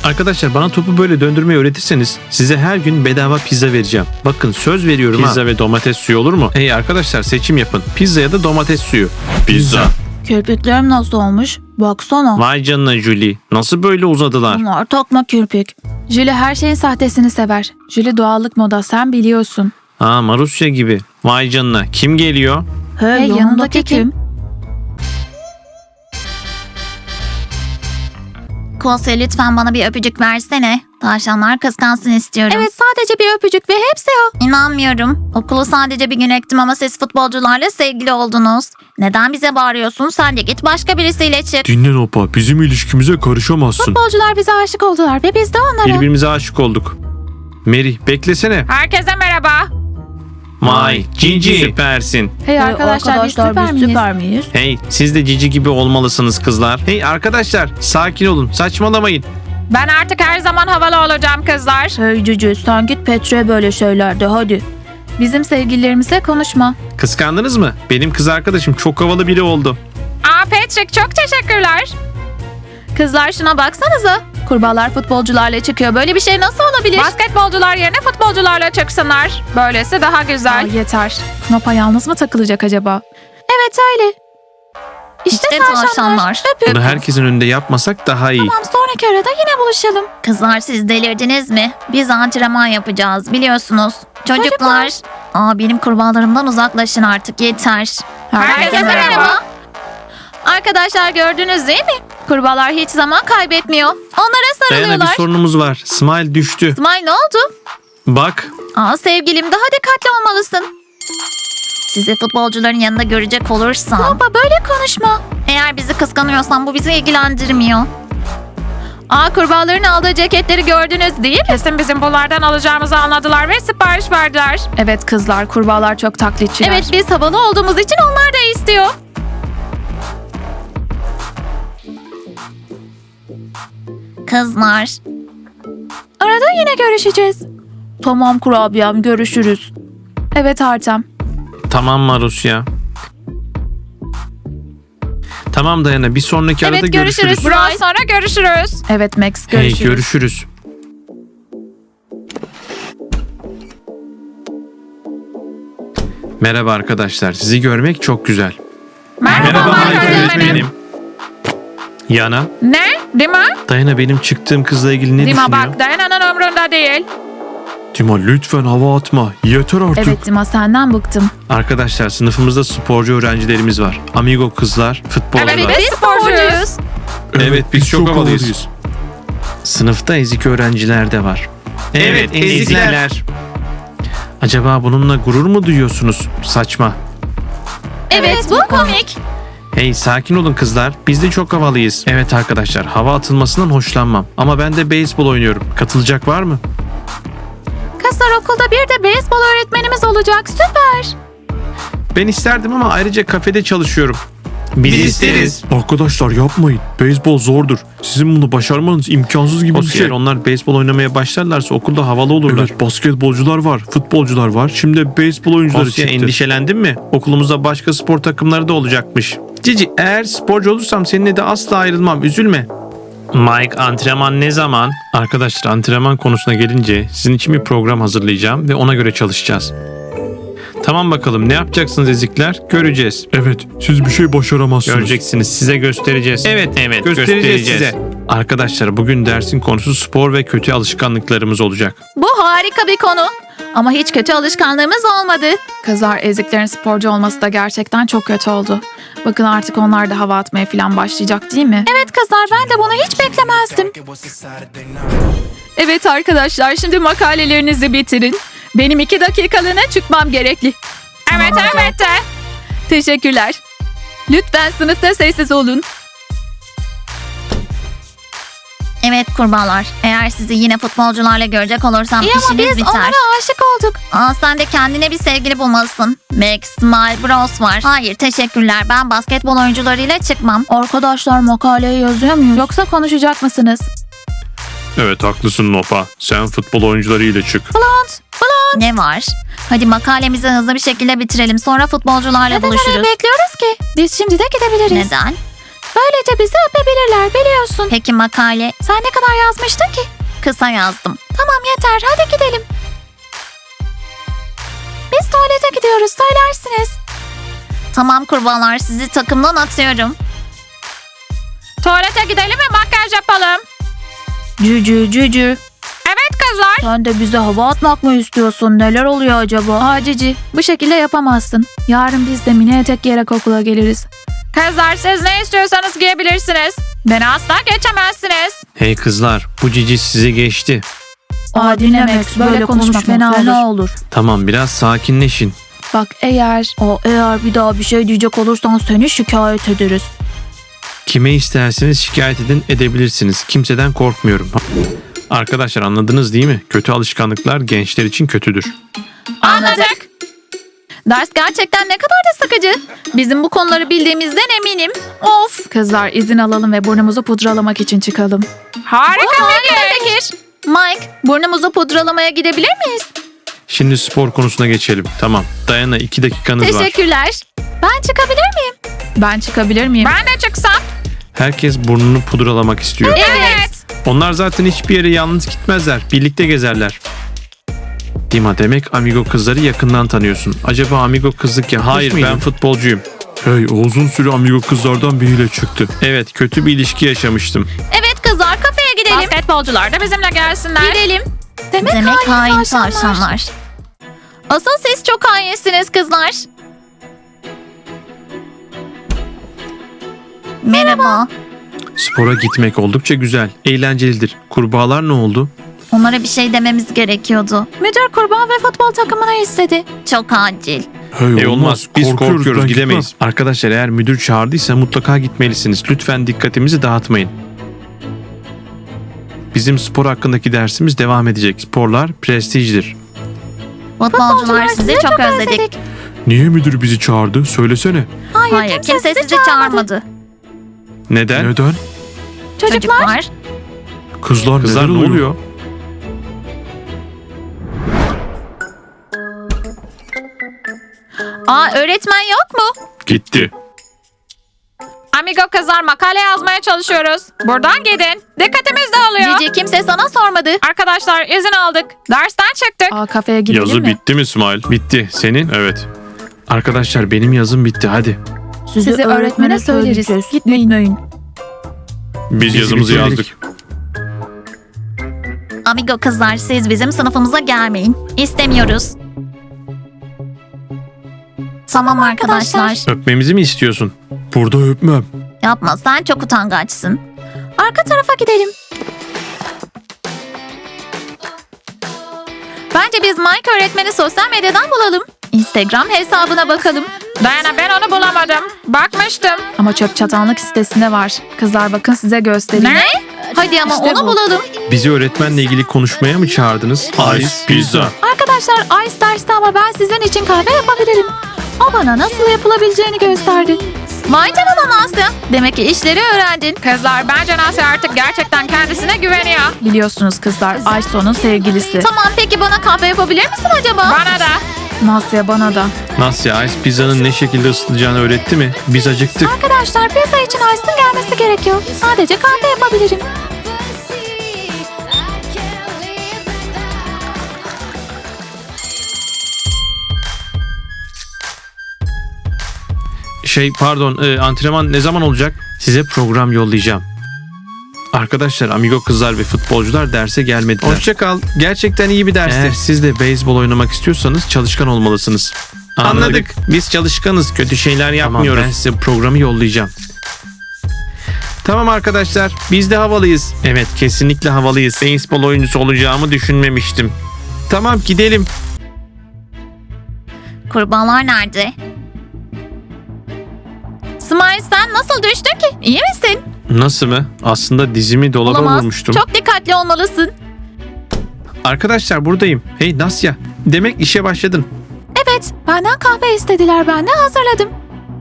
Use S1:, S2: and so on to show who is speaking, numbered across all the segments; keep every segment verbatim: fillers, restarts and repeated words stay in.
S1: Arkadaşlar bana topu böyle döndürmeyi öğretirseniz size her gün bedava pizza vereceğim. Bakın söz veriyorum. Pizza ha. Ve domates suyu olur mu? Hey arkadaşlar seçim yapın. Pizza ya da domates suyu. Pizza.
S2: Kirpiklerim nasıl olmuş? Baksana.
S1: Vay canına Julie. Nasıl böyle uzadılar?
S2: Bunlar takma kirpik. Julie her şeyin sahtesini sever. Julie doğallık moda, sen biliyorsun.
S1: Ha, Marusya gibi. Vay canına. Kim geliyor?
S2: Hey, hey yanındaki kim?
S3: Kosya lütfen bana bir öpücük versene. Tavşanlar kıskansın istiyorum.
S2: Evet, sadece bir öpücük ve hepsi o.
S3: İnanmıyorum. Okulu sadece bir gün ektim ama siz futbolcularla sevgili oldunuz. Neden bize bağırıyorsun? Sen de git başka birisiyle çık.
S1: Dinle Nopa. Bizim ilişkimize karışamazsın.
S2: Futbolcular bize aşık oldular ve biz de onlara.
S1: Birbirimize aşık olduk. Mary beklesene.
S4: Herkese merhaba.
S1: Vay Cici süpersin.
S2: Hey arkadaşlar, hey, arkadaşlar biz, süper, biz süper miyiz?
S1: Hey siz de Cici gibi olmalısınız kızlar. Hey arkadaşlar sakin olun, saçmalamayın.
S4: Ben artık her zaman havalı olacağım kızlar.
S2: Hey Cici, sen git Petre böyle şeylerde hadi. Bizim sevgililerimizle konuşma.
S1: Kıskandınız mı? Benim kız arkadaşım çok havalı biri oldu.
S4: Aa Patrick, çok teşekkürler.
S2: Kızlar şuna baksanıza. Kurbağalar futbolcularla çıkıyor. Böyle bir şey nasıl olabilir?
S4: Basketbolcular yerine futbolcularla çıksınlar. Böylesi daha güzel.
S2: Aa, yeter. Knopa yalnız mı takılacak acaba? Evet öyle. İşte,
S3: İşte
S2: tavşanlar.
S3: tavşanlar.
S2: Öpün.
S1: Bunu herkesin önünde yapmasak daha iyi.
S2: Tamam, sonraki arada yine buluşalım.
S3: Kızlar siz delirdiniz mi? Biz antrenman yapacağız biliyorsunuz. Çocuklar. Aa benim kurbağalarımdan uzaklaşın artık yeter.
S4: Herkese merhaba.
S2: Arkadaşlar gördünüz değil mi? Kurbağalar hiç zaman kaybetmiyor. Onlara
S1: Dayana bir
S2: sarılıyorlar.
S1: sorunumuz var. Smile düştü.
S2: Smile ne oldu?
S1: Bak.
S2: Aa sevgilim, daha dikkatli olmalısın.
S3: Sizi futbolcuların yanında görecek olursam.
S2: Knopa böyle konuşma.
S3: Eğer bizi kıskanıyorsan bu bizi ilgilendirmiyor.
S2: Aa kurbağaların aldığı ceketleri gördünüz değil mi?
S4: Kesin bizim bunlardan alacağımızı anladılar ve sipariş verdiler.
S2: Evet kızlar, kurbağalar çok taklitçiler. Evet, biz havalı olduğumuz için onlar da istiyor.
S3: Kızlar.
S2: Arada yine görüşeceğiz. Tamam kurabiyem, görüşürüz. Evet Artem.
S1: Tamam Marusya. Tamam Dayana, bir sonraki
S2: Evet,
S1: arada
S2: görüşürüz.
S1: görüşürüz.
S2: Bye.
S4: Biraz sonra görüşürüz.
S2: Evet Max,
S1: Hey
S2: görüşürüz.
S1: görüşürüz. Merhaba arkadaşlar. Sizi görmek çok güzel.
S4: Merhaba,
S1: Mike
S4: Mike öğretmenim.
S1: Yana,
S4: Ne? Dima?
S1: Dayana benim çıktığım kızla ilgili ne
S4: Dima
S1: düşünüyor?
S4: bak, Dayana'nın umrunda değil.
S1: Dima lütfen hava atma. Yeter artık.
S2: Evet Dima, senden bıktım.
S1: Arkadaşlar sınıfımızda sporcu öğrencilerimiz var. Amigo kızlar, futbolcular.
S4: Evet, biz sporcuyuz.
S1: Evet, biz çok havalıyız. Sınıfta ezik öğrenciler de var. Evet, ezikler. Acaba bununla gurur mu duyuyorsunuz? Saçma.
S2: Evet, bu komik.
S1: Hey sakin olun kızlar. Biz de çok havalıyız. Evet arkadaşlar, hava atılmasından hoşlanmam. Ama ben de beyzbol oynuyorum. Katılacak var mı?
S2: Kızlar, okulda bir de beyzbol öğretmenimiz olacak. Süper.
S1: Ben isterdim ama ayrıca kafede çalışıyorum. Biz, isteriz.
S5: Arkadaşlar yapmayın. Beyzbol zordur. Sizin bunu başarmanız imkansız gibi
S1: O
S5: bir şey.
S1: onlar beyzbol oynamaya başlarlarsa okulda havalı olurlar.
S5: Evet, basketbolcular var, futbolcular var. Şimdi de beyzbol oyuncuları
S1: Kosya,
S5: çıktı.
S1: endişelendin mi? Okulumuzda başka spor takımları da olacakmış. Cici, eğer sporcu olursam seninle de asla ayrılmam. Üzülme. Mike, antrenman ne zaman? Arkadaşlar, antrenman konusuna gelince sizin için bir program hazırlayacağım ve ona göre çalışacağız. Tamam bakalım, ne yapacaksınız ezikler? Göreceğiz.
S5: Evet, siz bir şey başaramazsınız.
S1: Göreceksiniz, size göstereceğiz. Evet, evet, göstereceğiz, size. Arkadaşlar, bugün dersin konusu spor ve kötü alışkanlıklarımız olacak.
S2: Bu harika bir konu. Ama hiç kötü alışkanlığımız olmadı. Kızlar, eziklerin sporcu olması da gerçekten çok kötü oldu. Bakın artık onlar da hava atmaya falan başlayacak değil mi? Evet kızlar, ben de bunu hiç beklemezdim. Evet arkadaşlar, şimdi makalelerinizi bitirin. Benim iki dakikalığına çıkmam gerekli.
S4: Evet, evet de.
S2: Teşekkürler. Lütfen sınıfta sessiz olun.
S3: Evet kurbağalar. Eğer sizi yine futbolcularla görecek olursam
S2: İyi ama
S3: işiniz
S2: biz
S3: biter.
S2: onlara aşık olduk.
S3: Aa sen de kendine bir sevgili bulmalısın. Max, Smile, Bros var. Hayır teşekkürler. Ben basketbol oyuncularıyla çıkmam.
S2: Arkadaşlar, makaleyi yazıyor muyuz? Yoksa konuşacak mısınız?
S5: Evet, haklısın Nopa. Sen futbol oyuncularıyla çık.
S2: Blond, Blond.
S3: Ne var? Hadi makalemizi hızlı bir şekilde bitirelim. Sonra futbolcularla
S2: Neden
S3: buluşuruz.
S2: orayı bekliyoruz ki? Biz şimdi de gidebiliriz.
S3: Neden?
S2: Böylece bizi öpebilirler biliyorsun.
S3: Peki makale?
S2: Sen ne kadar yazmıştın ki?
S3: Kısa yazdım.
S2: Tamam yeter hadi gidelim. Biz tuvalete gidiyoruz söylersiniz.
S3: Tamam kurbağalar, sizi takımdan atıyorum.
S4: Tuvalete gidelim ve makyaj yapalım.
S2: Cücü cücü.
S4: Evet kızlar.
S2: Sen de bize hava atmak mı istiyorsun? Neler oluyor acaba? Aa Cici bu şekilde yapamazsın. Yarın biz de mini etek giyerek okula geliriz.
S4: Kızlar siz ne istiyorsanız giyebilirsiniz. Beni asla geçemezsiniz.
S1: Hey kızlar, bu Cici sizi geçti.
S2: Aa dinlemek böyle konuşmak fena olur.
S1: Tamam, biraz sakinleşin.
S2: Bak eğer o eğer bir daha bir şey diyecek olursan seni şikayet ederiz.
S1: Kime isterseniz şikayet edin, edebilirsiniz. Kimseden korkmuyorum. Arkadaşlar anladınız değil mi? Kötü alışkanlıklar gençler için kötüdür.
S4: Anladık.
S2: Ders gerçekten ne kadar da sıkıcı. Bizim bu konuları bildiğimizden eminim. Of. Kızlar izin alalım ve burnumuzu pudralamak için çıkalım.
S4: Harika fikir.
S2: Fikir. Mike burnumuzu pudralamaya gidebilir miyiz?
S1: Şimdi spor konusuna geçelim. Tamam. Dayana iki dakikanız var.
S2: Teşekkürler. Ben çıkabilir miyim? Ben çıkabilir miyim?
S4: Ben de çıksam.
S1: Herkes burnunu pudralamak istiyor.
S4: Evet.
S1: Onlar zaten hiçbir yere yalnız gitmezler. Birlikte gezerler. Dima, demek amigo kızları yakından tanıyorsun. Acaba amigo kızlık yapmış
S5: Hayır,
S1: mıydın?
S5: ben
S1: futbolcuyum.
S5: Hey, o uzun süre amigo kızlardan biriyle çıktı.
S1: Evet, kötü bir ilişki yaşamıştım.
S2: Evet kızlar kafeye gidelim.
S4: Basketbolcular da bizimle gelsinler.
S2: Gidelim. Demek,
S3: Demek hain
S2: tavşanlar.
S3: tavşanlar.
S2: Asıl siz çok hainsiniz kızlar.
S3: Merhaba.
S1: Spora gitmek oldukça güzel, eğlencelidir. Kurbağalar ne oldu?
S3: Onlara bir şey dememiz gerekiyordu.
S2: Müdür kurban ve futbol takımına istedi.
S3: Çok acil.
S5: Hey,
S1: E olmaz, biz korkuyoruz,
S5: ben
S1: gidemeyiz. Arkadaşlar eğer müdür çağırdıysa mutlaka gitmelisiniz. Lütfen dikkatimizi dağıtmayın. Bizim spor hakkındaki dersimiz devam edecek. Sporlar prestijdir.
S3: Futbolcular sizi çok özledik.
S5: gitmem. Niye müdür bizi çağırdı? Söylesene.
S2: Hayır,
S3: Hayır, kimse sizi çağırmadı.
S1: Neden?
S5: Neden?
S2: Çocuklar,
S3: Çocuklar.
S5: Kızlar,
S1: Kızlar
S5: neler
S1: ne oluyor?
S2: aa öğretmen yok mu?
S5: Gitti.
S4: Amigo kızlar makale yazmaya çalışıyoruz. Buradan gidin. Dikkatimiz dağılıyor.
S2: Cici kimse sana sormadı.
S4: Arkadaşlar izin aldık. Dersten çıktık.
S2: Aa kafeye gidelim
S1: Yazı
S2: mi?
S1: bitti mi İsmail? Bitti. Senin? Evet. Arkadaşlar benim yazım bitti. Hadi.
S2: Sizi öğretmene söyleriz. Gitmeyin.
S1: Biz yazımızı
S5: bitirdik.
S1: yazdık.
S3: Amigo kızlar, siz bizim sınıfımıza gelmeyin. İstemiyoruz. Tamam arkadaşlar.
S1: Öpmemizi mi istiyorsun?
S5: Burada öpmem.
S3: Yapma, sen çok utangaçsın.
S2: Arka tarafa gidelim. Bence biz Mike öğretmeni sosyal medyadan bulalım. Instagram hesabına bakalım.
S4: Dayana ben onu bulamadım. Bakmıştım.
S2: Ama çöp çatanlık sitesinde var. Kızlar bakın size göstereyim.
S4: Ne?
S2: Hadi ama İşte onu bu. bulalım.
S1: Bizi öğretmenle ilgili konuşmaya mı çağırdınız?
S5: Ice pizza.
S2: Arkadaşlar Ice derste ama ben sizin için kahve yapabilirim. O bana nasıl yapılabileceğini gösterdi. Vay canına Nasya. Demek ki işleri öğrendin.
S4: Kızlar bence Nasya artık gerçekten kendisine güveniyor.
S2: Biliyorsunuz kızlar Ice onun sevgilisi. Tamam peki bana kahve yapabilir misin acaba?
S4: Bana da.
S2: Nasya bana da.
S1: Nasya Ice pizzanın ne şekilde ısıtılacağını öğretti mi? Biz acıktık.
S2: Arkadaşlar pizza için Ice'ın gelmesi gerekiyor. Sadece kahve yapabilirim.
S1: Şey pardon e, antrenman ne zaman olacak? Size program yollayacağım. Arkadaşlar amigo kızlar ve futbolcular derse gelmediler. Hoşça kal. Gerçekten iyi bir dersti. Eğer siz de beyzbol oynamak istiyorsanız çalışkan olmalısınız. Anladık. Biz çalışkanız. Kötü şeyler yapmıyoruz. Ben size programı yollayacağım. Tamam arkadaşlar. Biz de havalıyız. Evet kesinlikle havalıyız. Beyzbol oyuncusu olacağımı düşünmemiştim. Tamam gidelim.
S3: Kurbağalar nerede?
S2: Smile sen nasıl düştün ki? İyi misin?
S1: Nasıl mı? Aslında dizimi dolaba
S2: Olamaz.
S1: vurmuştum.
S2: Çok dikkatli olmalısın.
S1: Arkadaşlar buradayım. Hey Nasya. Demek işe başladın.
S2: Evet, benden kahve istediler. Ben de hazırladım.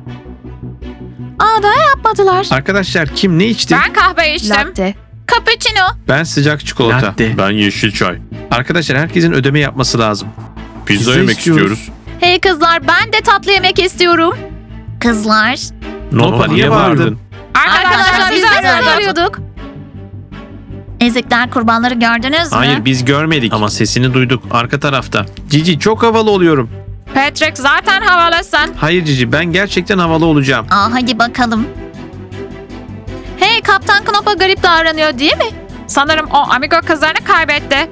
S2: Aa daha yapmadılar.
S1: Arkadaşlar kim ne içti?
S4: Ben kahve içtim.
S2: Latte. Cappuccino.
S1: Ben sıcak çikolata.
S5: Ben yeşil çay.
S1: Arkadaşlar herkesin ödeme yapması lazım.
S5: Pizza,
S1: Pizza
S5: yemek
S1: istiyoruz.
S5: istiyoruz.
S2: Hey kızlar ben de tatlı yemek istiyorum.
S3: Kızlar.
S1: Nopa
S5: Nopa,
S1: niye
S5: niye
S1: bağırdın?
S5: bağırdın?
S4: Arkadaşlar biz
S2: biz de sizi
S4: arıyorduk.
S2: arıyorduk.
S3: Ezikler kurbanları gördünüz mü?
S1: Hayır biz görmedik ama sesini duyduk arka tarafta. Cici çok havalı oluyorum.
S4: Patrick zaten havalısın.
S1: Hayır Cici ben gerçekten havalı olacağım.
S3: Aa, hadi bakalım.
S2: Hey Kaptan Knopa garip davranıyor değil mi?
S4: Sanırım o amigo kızlarını kaybetti.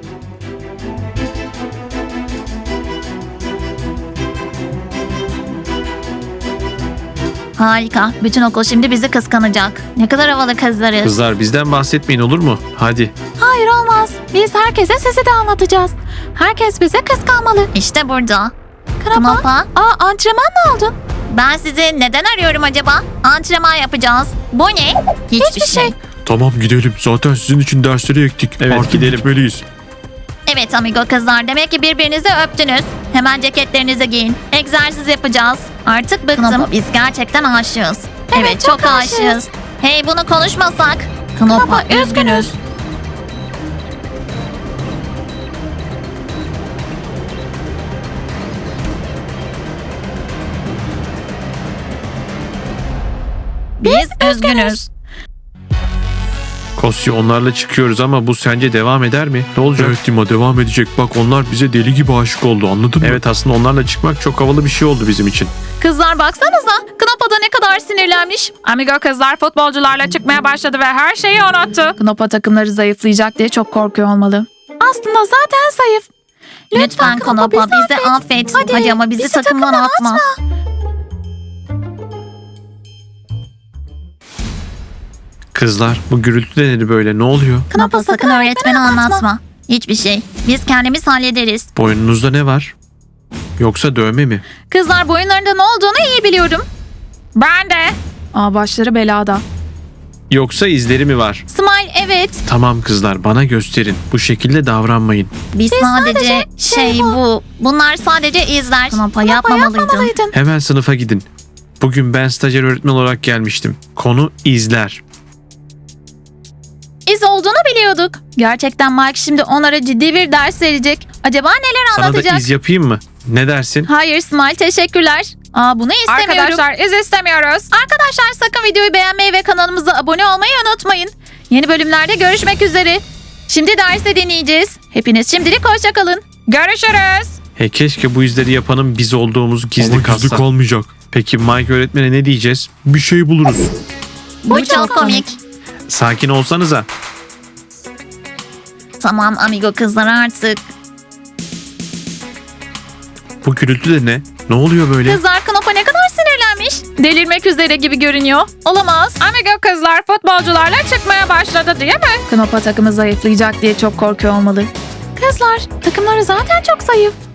S3: Harika. Bütün okul şimdi bizi kıskanacak. Ne kadar havalı kızlarız.
S1: Kızlar bizden bahsetmeyin olur mu? Hadi.
S2: Hayır olmaz. Biz herkese sizi de anlatacağız. Herkes bize kıskanmalı.
S3: İşte burada.
S2: Knopa.
S3: Knopa.
S2: Aa antrenman ne oldu?
S3: Ben sizi neden arıyorum acaba? Antrenman yapacağız. Bu ne? Hiçbir, şey.
S5: Tamam gidelim. Zaten sizin için dersleri ektik.
S1: Evet,
S5: Artık
S1: gidelim.
S5: gitmeliyiz.
S3: Evet amigo kızlar, demek ki birbirinizi öptünüz. Hemen ceketlerinizi giyin. Egzersiz yapacağız. Artık bıktım. Knopa, biz gerçekten aşığız. Evet, çok,
S2: çok
S3: aşığız.
S2: aşığız.
S3: Hey, bunu konuşmasak. Knopa,
S2: Knopa, üzgünüz.
S3: Biz üzgünüz.
S1: Kosya onlarla çıkıyoruz ama bu sence devam eder mi? Ne olacak?
S5: Evet Dima devam edecek. Bak onlar bize deli gibi aşık oldu anladın mı?
S1: Evet aslında onlarla çıkmak çok havalı bir şey oldu bizim için.
S2: Kızlar baksanıza. Knopa da ne kadar sinirlenmiş.
S4: Amigo kızlar futbolcularla çıkmaya başladı ve her şeyi unuttu.
S2: Knopa takımları zayıflayacak diye çok korkuyor olmalı. Aslında zaten zayıf.
S3: Lütfen Knopa, bizi affet. Hadi,
S2: Hadi,
S3: ama bizi,
S2: bizi
S3: takımdan
S2: takımdan
S3: atma.
S1: Kızlar bu gürültü de nedir böyle ne oluyor?
S3: Knopa, sakın öğretmeni anlatma. Hiçbir şey. Biz kendimiz hallederiz.
S1: Boynunuzda ne var? Yoksa dövme mi?
S2: Kızlar boyunlarında ne olduğunu iyi biliyorum.
S4: Ben de.
S2: Aa başları belada.
S1: Yoksa izleri mi var?
S2: Smile evet.
S1: Tamam kızlar bana gösterin. Bu şekilde davranmayın.
S3: Biz, sadece,
S2: sadece
S3: şey,
S2: şey
S3: bu. Bunlar sadece izler. Knopa, yapmamalıydın.
S2: Yapmamalıydın.
S1: Hemen sınıfa gidin. Bugün ben stajyer öğretmen olarak gelmiştim. Konu izler.
S2: İz olduğunu biliyorduk. Gerçekten Mike şimdi onlara ciddi bir ders verecek. Acaba neler
S1: Sana da
S2: anlatacak?
S1: iz yapayım mı? Ne dersin?
S2: Hayır Smile teşekkürler. Aa bunu istemiyorum.
S4: Arkadaşlar iz istemiyoruz.
S2: Arkadaşlar sakın videoyu beğenmeyi ve kanalımıza abone olmayı unutmayın. Yeni bölümlerde görüşmek üzere. Şimdi derse deneyeceğiz. Hepiniz şimdilik hoşça kalın.
S4: Görüşürüz.
S1: He keşke bu izleri yapanın biz olduğumuz gizli
S5: Ama gizli
S1: kalsa.
S5: kalmayacak.
S1: Peki Mike öğretmene ne diyeceğiz?
S5: Bir şey buluruz.
S3: Bu çok komik.
S1: Sakin olsanıza.
S3: Tamam amigo kızlar artık.
S1: Bu gürültü de ne? Ne oluyor böyle?
S2: Kızlar Knopa ne kadar sinirlenmiş. Delirmek üzere gibi görünüyor. Olamaz.
S4: Amigo kızlar futbolcularla çıkmaya başladı değil mi?
S2: Knopa takımı zayıflayacak diye çok korkuyor olmalı. Kızlar takımları zaten çok zayıf.